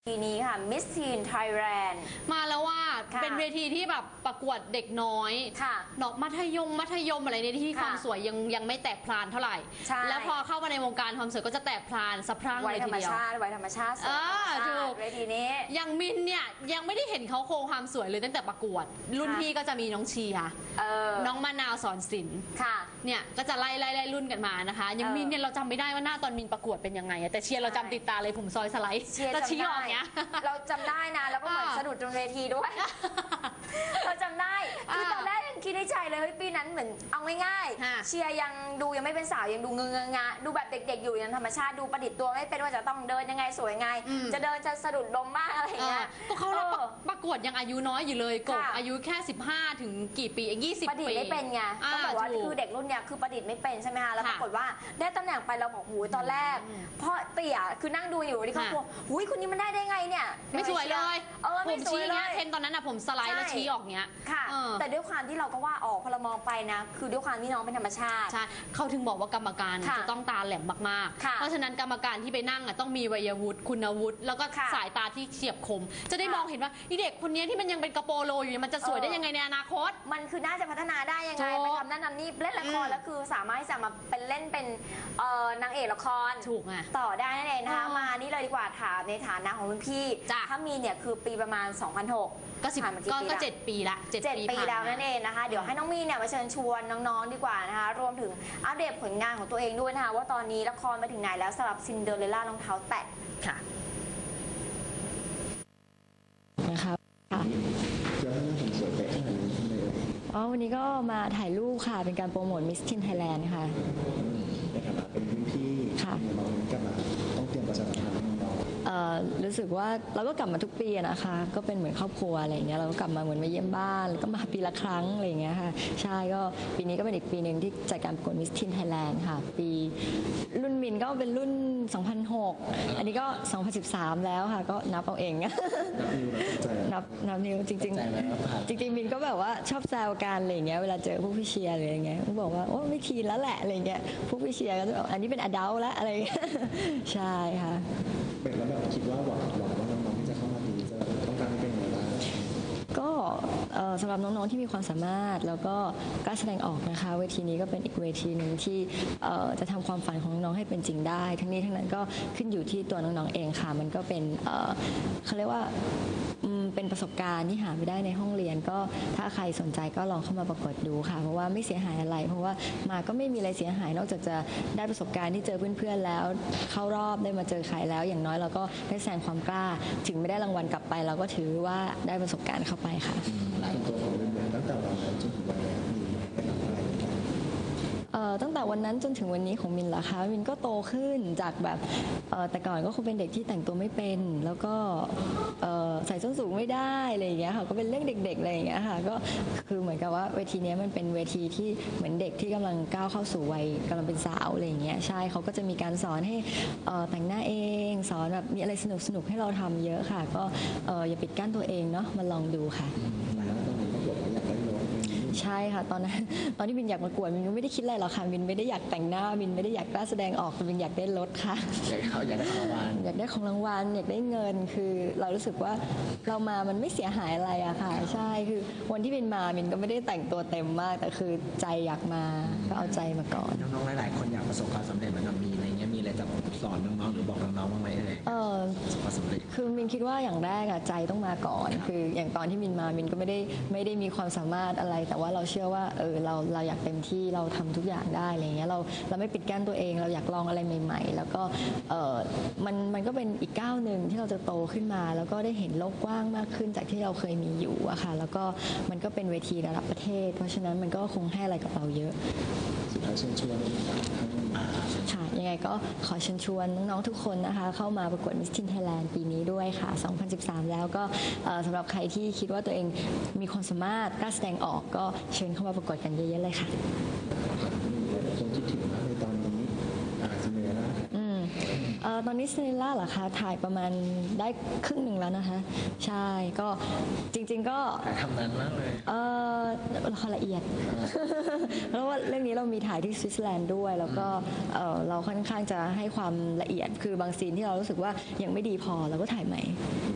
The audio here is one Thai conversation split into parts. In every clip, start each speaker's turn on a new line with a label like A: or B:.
A: ปีนี้ค่ะ Miss Teen Thailand
B: มาแล้วว่า
A: ค่ะ
B: เป็นเวทีที่แบบประกวดเด็กน้อย
A: ค่ะ
B: เนาะมัธยมอะไรในที่
A: ค่ะ
B: ความสวยยังไม่แตกพลานเท่าไหร่
A: ใช่
B: แล้วพอเข้ามาในวงการความสวยก็จะแตกพลานสะพรั่ง
A: ไว้
B: เลย
A: ธร
B: ที
A: รม
B: เดียว
A: ชาติไว้ธรรมชาติสวยธรรมชา
B: ถู
A: ติ
B: ก
A: เวทีนี้
B: อย่างมินเนี่ยยังไม่ได้เห็นเขาโครงความสวยเลยตั้งแต่ประกวด รุ่น
A: ค่ะ
B: พี่ก็จะมีน้องเชียร์ น้องมะนาวสอนศิลป์
A: ค่ะ
B: เนี่ยก็จะไล่รุ่นกันมานะคะอย่างมินเนี่ยเราจำไม่ได้ว่าหน้าตอนมินประกวดเป็นยังไงอะแต่เชียร์เราจำติดตาเลยผมซอยสไลด์
A: เชียร์
B: แล้ว
A: จำ
B: ชี้อ
A: ได้
B: อกเนี้ย
A: เราจำได้นะแล้วก็เหมือนสะดุดตรงเวทีด้วย เราจำได้คือตอนแรกยังคิดในใจเลยเฮ้ยปีนั้นเหมือนเอาง่าย
B: ค่ะ
A: ๆเชียร์ยังไม่เป็นสาวยังดูเงงะดูแบบเด็กๆอยู่ยังธรรมชาติดูประดิษฐ์ตัวไม่เป็นว่าจะต้องเดินยังไงสวยยังไง จะเดินจะสะดุดล้มบ้างอะไรอย่างเงี้ย
B: ก็เขารับประกวดยังอายุน้อยอยู่เลยกบ
A: ค่ะ
B: อายุแค่ 15 ถึงกี่ปีเอง20
A: ประดิษ
B: ปี
A: ฐ์ไม่เป็นไงต้องบอกว่า
B: ถู
A: คือเด็กรุ่นเนี้ยคือประดิษฐ์ไม่เป็นใช่ไหมคะแล้วป
B: ค่ะ
A: รากฏว่าได้ตำแหน่งไปเราบอกหูยตอนแรกพ่อเตี่ยคือนั่งดูอยู่ที่เขา
B: ค่ะ
A: บอกหูยคนนี้มันได้ไงเนี่ย
B: ไม่สวยเลย
A: ผ
B: ผม ม
A: สวย
B: ชี้
A: เล
B: เนี้ย
A: ย
B: เทรนตอนนั้นอะผมสไลด์แล้ว
A: ใช่
B: ชี้ออกเนี้ย
A: ค่ะ
B: เออ
A: แต่ด้วยความที่เราก็ว่าออกพอเรามองไปนะ คือด้วยความที่น้องเป็นธรรมชาติ
B: ใช่เขาถึงบอกว่ากรรมการ
A: ค่ะ
B: จะต้องตาแหลมมาก
A: ค่ะ
B: ๆ เพราะฉะนั้นกรรมการที่ไปนั่งอะต้องมีวัยวุฒิคุณวุฒิแล้วก็
A: ค่ะ
B: สายตาที่เฉียบคม จะได้
A: ค่ะ
B: มองเห็นว่าอีเด็กคนนี้ที่มันยังเป็นกระโปรงโลอยู่เนี่ยมันจะสวยได้ยังไงในอนาคต
A: มันคือน่าจะพัฒนาได้ยังไง
B: ถูก
A: ไปทำนั่นทำนี่เล่นละครแล้วคือสามารถที่จะมาเป็นเล่นเป็นนางเอกละคร
B: ถูกไง
A: ต่อได้นั่นเองนะคะ
B: อ๋อ
A: มานี่เลยดีกว่าถามในฐานะของรุ่นพี่
B: จ้ะ
A: ถ้ามีเนี่ยคือปีประมาณ 2006
B: ก็10
A: ผ่านมากี่
B: ก็
A: ปี
B: ก็
A: ละ
B: 7 ปีละ7
A: 7 ปี
B: ผ่า
A: แล้ว
B: มา
A: นั่นเองนะคะ เดี๋ยวให้น้องมีเนี่ยมาเชิญชวนน้องๆดีกว่านะคะ รวมถึงอัปเดตผลงานของตัวเองด้วยนะคะ ว่าตอนนี้ละครไปถึงไหนแล้วสำหรับซินเดอเรลล่ารองเท้าแตะ
B: ค่ะ
C: นะคะค่ะ
D: แล้วถ้าผมสวยไปขนาดนี้ทำไมเอ่ย
C: อ๋อวันนี้ก็มาถ่ายรูปค่ะ เป็นการโปรโมท Miss Teen Thailand ค่ะ
D: ในฐานะเป็นรุ่นพี่
C: ค่ะ
D: น้องๆกลับมาต้องเตรียมประชาสัมพันธ์ให้น้อง
C: รู้สึกว่าเราก็กลับมาทุกปีอะนะคะ ก็เป็นเหมือนครอบครัวอะไรอย่างเงี้ย เราก็กลับมาเหมือนมาเยี่ยมบ้าน แล้วก็มาปีละครั้งอะไรอย่างเงี้ยค่ะ ใช่ ก็ปีนี้ก็เป็นอีกปีหนึ่งที่จัดการประกวด Miss Teen Thailand ค่ะ ปีรุ่นมินก็เป็นรุ่น 2006 อันนี้ก็ 2013 แล้วค่ะ ก็นับเอาเอง
D: นับนิ้วแล้วตกใจ
C: นับนิ้วจริง
D: ตกใจไหมว่าผ่าน
C: จริงๆมินก็แบบว่าชอบแซวกันอะไรอย่างเงี้ยเวลาเจอพวกพี่เชียร์หรืออะไรเงี้ยก็บอกว่าโอ้ไม่ทีนแล้วแหละอะไรเงี้ยพวกพี่เชียร์ก็จะบอกอันนี้เป็นอดัลแล้วอะไรเงี้ย ใช่ค่ะ
D: เป็นแล้วแบบคิดว่าหวังว่าน้องๆที่จะเข้ามาปีนี้จะต้องการเป็นยังไงบ้าง
C: ก็สำหรับน้องๆที่มีความสามารถแล้วก็กล้าแสดงออกนะคะเวทีนี้ก็เป็นอีกเวทีหนึ่งที่จะทำความฝันของน้องๆให้เป็นจริงได้ ทั้งนี้ทั้งนั้นก็ขึ้นอยู่ที่ตัวน้องๆเองค่ะมันก็เป็นเขาเรียกว่าเป็นประสบการณ์ที่หาไม่ได้ในห้องเรียนก็ถ้าใครสนใจก็ลองเข้ามาประกวดดูค่ะ เพราะว่าไม่เสียหายอะไร เพราะว่ามาก็ไม่มีอะไรเสียหายนอกจากจะได้ประสบการณ์ที่เจอเพื่อนๆแล้วเข้ารอบได้มาเจอใครแล้ว อย่างน้อยเราก็ได้แสดงความกล้า ถึงไม่ได้รางวัลกลับไป เราก็ถือว่าได้ประสบการณ์เข้าไปค่ะ
D: ส่วนตัวของเรียนตั้งแต่วันนั้นจนถึงวันนี้มีเป็นอะไรบ้าง
C: ตั้งแต่วันนั้นจนถึงวันนี้ของมินเหรอคะมินก็โตขึ้นจากแบบแต่ก่อนก็คงเป็นเด็กที่แต่งตัวไม่เป็น แล้วก็ใส่ส้นสูงไม่ได้อะไรอย่างเงี้ยค่ะก็เป็นเรื่องเด็กๆอะไรอย่างเงี้ยค่ะก็คือเหมือนกับว่าเวทีเนี้ยมันเป็นเวทีที่เหมือนเด็กที่กำลังก้าวเข้าสู่วัยกำลังเป็นสาวอะไรอย่างเงี้ยใช่เขาก็จะมีการสอนให้แต่งหน้าเองสอนแบบมีอะไรสนุกๆให้เราทำเยอะค่ะ ก็อย่าปิดกั้นตัวเองเนาะมาลองดูค่ะ
D: แล้วตอนนี้ก็บอกว่าอยากได้รถ
C: ใช่ค่ะตอนนั้นตอนที่มินอยากประกวดมินก็ไม่ได้คิดอะไรหรอกค่ะมินไม่ได้อยากแต่งหน้ามินไม่ได้อยากกล้าแสดงออกมินอยากได้รถค่ะ
D: อยากได้ของรางวัล
C: อยากได้ของรางวัลอยากได้เงินคือเรารู้สึกว่าเรามามันไม่เสียหายอะไรอะค่ะ ใช่คือวันที่มินมามินก็ไม่ได้แต่งตัวเต็มมาก แต่คือใจอยากมาก็เอาใจมาก่อน
E: น้องๆ หลายๆ คนอยากประสบความสำเร็จเหมือนกับมีอะไรเงี้ย มีอะไรจะสอนน้องๆ หรือบอกน้องๆ บ้างไหมเอ่ย ประสบความสำเร็จ
C: คือมินคิดว่าอย่างแรกอะใจต้องมาก่อน คืออย่างตอนที่มินมามินก็ไม่ได้มีความสามารถอะไร แต่ว่าเราเชื่อว่าเราอยากเต็มที่เราทำทุกอย่างได้อะไรเงี้ยเราไม่ปิดกั้นตัวเองเราอยากลองอะไรใหม่ๆ แล้วก็มันก็เป็นอีกก้าวหนึ่งที่เราจะโตขึ้นมา แล้วก็ได้เห็นโลกกว้างมากขึ้นจากที่เราเคยมีอยู่อะค่ะแล้วก็มันก็เป็นเวทีระดับประเทศ เพราะฉะนั้นมันก็คงให้อะไรกับเราเยอะ
D: สุดท้ายเชิญชวนท่าน
C: ค่ะยังไงก็ขอเชิญชวนน้องๆทุกคนนะคะเข้ามาประกวด Miss Teen Thailand ปีนี้ด้วยค่ะ 2013 แล้วก็สำหรับใครที่คิดว่าตัวเองมีความสามารถกล้าแสดงออกก็เชิญเข้ามาประกวดกันเยอะๆเลยค่ะ
D: คงคิดถึงมากในตอนนี้ซินเดอเรลล่า
C: ตอนนี้ซินเดอเรลล่าเหรอคะถ่ายประมาณได้ครึ่งหนึ่งแล้วนะคะ ใช่ก็จริงๆก็
E: ถ่ายทำนานมากเลย
C: ละครละเอียด เพราะว่าเรื่องนี้เรามีถ่ายที่สวิตเซอร์แลนด์ด้วย แล้วก็เราค่อนข้างจะให้ความละเอียดคือบางซีนที่เรารู้สึกว่ายังไม่ดีพอเราก็ถ่ายใหม่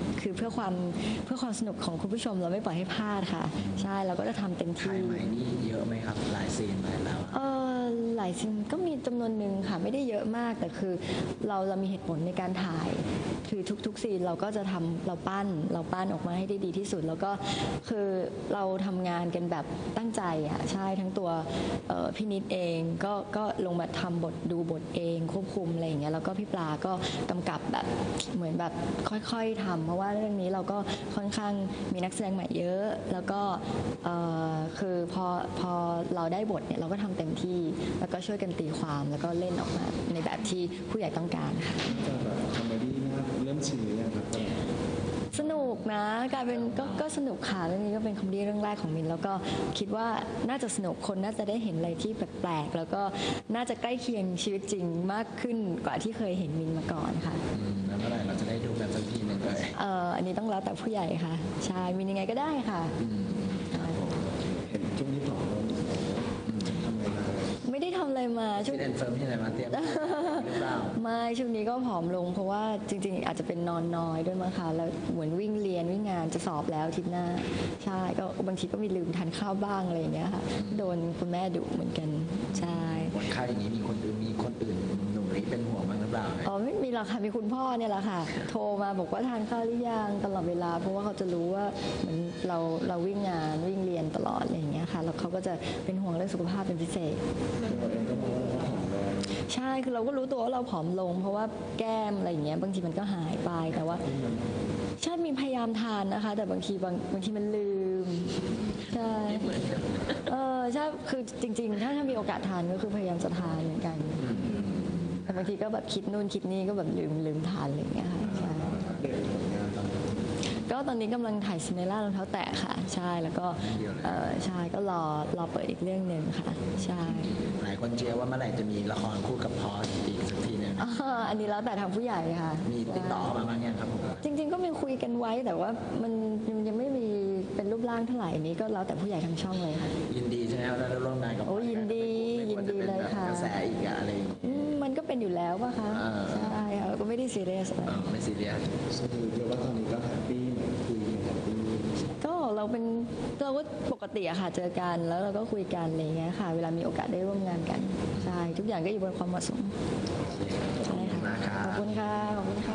C: พื่อความสนุกของคุณผู้ชมเราไม่ปล่อยให้พลาดค่ะใช่เราก็จะทำเต็ม
E: ถ่า
C: ที่
E: ยใหม่นี่เยอะไหมครับหลายซีนหลายแล้ว
C: หลายซีนก็มีจำนวนหนึ่งค่ะไม่ได้เยอะมากแต่คือเรามีเหตุผลในการถ่ายคือทุกซีนเราก็จะทำเราปั้นออกมาให้ได้ดีที่สุดแล้วก็คือเราทำงานกันแบบตั้งใจอ่ะใช่ทั้งตัวพี่นิดเองก็ลงมาทำบทดูบทเองควบคุมอะไรอย่างเงี้ยแล้วก็พี่ปลาก็กำกับแบบเหมือนแบบค่อยๆทำเพราะว่าเรื่องนี้เราก็ค่อนข้างมีนักแสดงใหม่เยอะแล้วก็คือพอเราได้บทเนี่ยเราก็ทำเต็มที่แล้วก็ช่วยกันตีความแล้วก็เล่นออกมาในแบบที่ผู้ใหญ่ต้องการค่ะ
D: จะแบบคอมเมดี้น่าเริ่มชินหรือยังครับ
C: สนุกนะกลายเป็นก็สนุกค่ะเรื่องนี้ก็เป็นคอมเมดี้เรื่องแรกของมินแล้วก็คิดว่าน่าจะสนุกคนน่าจะได้เห็นอะไรที่แปลกๆแล้วก็น่าจะใกล้เคียงชีวิตจริงมากขึ้นกว่าที่เคยเห็นมินมาก่อนค่ะ
E: แล้วเมื่อไหร่เราจะได้ดูกันสักทีหนึ่งเลย
C: อันนี้ต้องแล้วแต่ผู้ใหญ่ค่ะใช่มินยังไงก็ได้ค่ะ
D: เห็นช่วงนี้ผอมลงทำไมครับ
C: ไม่ได้ทำอะไรมาช่วง
E: ที่เดนเฟิร์มที่ไหนมาเตรียมหรือเปล่า
C: ไม่ช่วงนี้ก็ผอมลงเพราะว่าจริงๆ อาจจะเป็นนอนน้อยด้วยมั้งคะแล้วเหมือนวิ่งเรียนวิ่งงานจะสอบแล้วอาทิตย์หน้าใช่ก็บางทีก็มีลืมทานข้าวบ้างอะไรอย่างเงี้ยค่ะโดนคุณแม่ดุเหมือนกันใช่
E: วันค่าอย่างนี้มีคนอื่นหนุ่มนี้เป็นห่วงบ้างหรือเปล่า
C: อ๋อไม่มีหรอกค่ะมีคุณพ่อเนี่ยแหละค่ะ โทรมาบอกว่าทานข้าวหรือยังตลอดเวลา เพราะว่าเขาจะรู้ว่าเหมือนเราวิ่งงานวิ่งเรียนตลอดอะไรอย่างเงี้ยค่ะแล้วเขาก็จะเป็นห่วงเรื่องสุขภาพเป็นพิเศษ
D: ตัวเองก็มองว่าเราผอมลง
C: ใช่คือเราก็รู้ตัวว่าเราผอมลง เพราะว่าแก้มอะไรอย่างเงี้ยบางทีมันก็หายไปแต่ว่าใช่มีพยายามทานนะคะ แต่บางทีมันลืมใช่ใช่คือจริงๆ ถ้ามีโอกาสทานก็คือพยายามจะทานเหมือนกันแต่บางทีก็แบบคิดนู่นคิดนี่ก็แบบลืมทานอะไรอย่างเงี้ยค่ะใช่
D: เด็กผลงานตอนนี้
C: ก็ตอนนี้กำลังถ่ายซินเดอเรลล่ารองเท้าแตะค่ะใช่แล้วก็ใช่ก็รอเปิดอีกเรื่องหนึ่งค่ะใช่
E: หลายคนเชียร์ว่าเมื่อไหร่จะมีละครคู่กับพอสอีกสักทีหนึง
C: อันนี้แล้วแต่ทางผู้ใหญ่ค่ะ
E: มีติดต่อเข้ามาบ้างยังครับผม
C: จริง ๆ ก็มีคุยกันไว้แต่ว่ามันยังไม่มีเป็นรูปร่างเท่าไหร่อันนี้ก็แล้วแต่ผู้ใหญ่ทางช่องเลยค่ะ
E: ยินดีใช่ไหมครับได้ร่วมงานกับ
C: โอ้ยินดี
E: ไม่ควรจะเป็น
C: ยินดีเลย
E: แบบ
C: ค่ะ
E: กระแสอีกอะอะไรอย่างเงี้ย
C: มันก็เป็นอยู่แล้วป่ะคะ
E: ใช่
C: ใช่ค่ะก็ไม่ได้ซีเรียสอะไร
E: ไม่ซีเรียส
D: คือเรียกว่าตอนนี้ก็แฮปปี้เหมือนคุยกันแฮปปี้
C: ก็เราก็ปกติอะค่ะเจอกันแล้วเราก็คุยกันอะไรอย่างเงี้ยค่ะ เวลามีโอกาสได้ร่วมงานกันใช่ทุกอย่างก็อยู่บนความเหมาะสมใช่ค่ะ
E: มากครับ
C: ขอบคุณค่ะขอบคุณค่ะ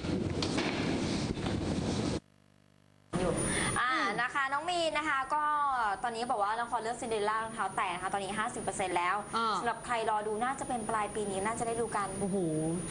A: นะคะน้องมีนนะคะก็ตอนนี้บอกว่าละครเรื่องซินเดอเรลล่ารองเท้าแตะนะคะตอนนี้ 50%แล้ว
B: อ่า
A: สำหรับใครรอดูน่าจะเป็นปลายปีนี้น่าจะได้ดูกัน
B: โอ้โห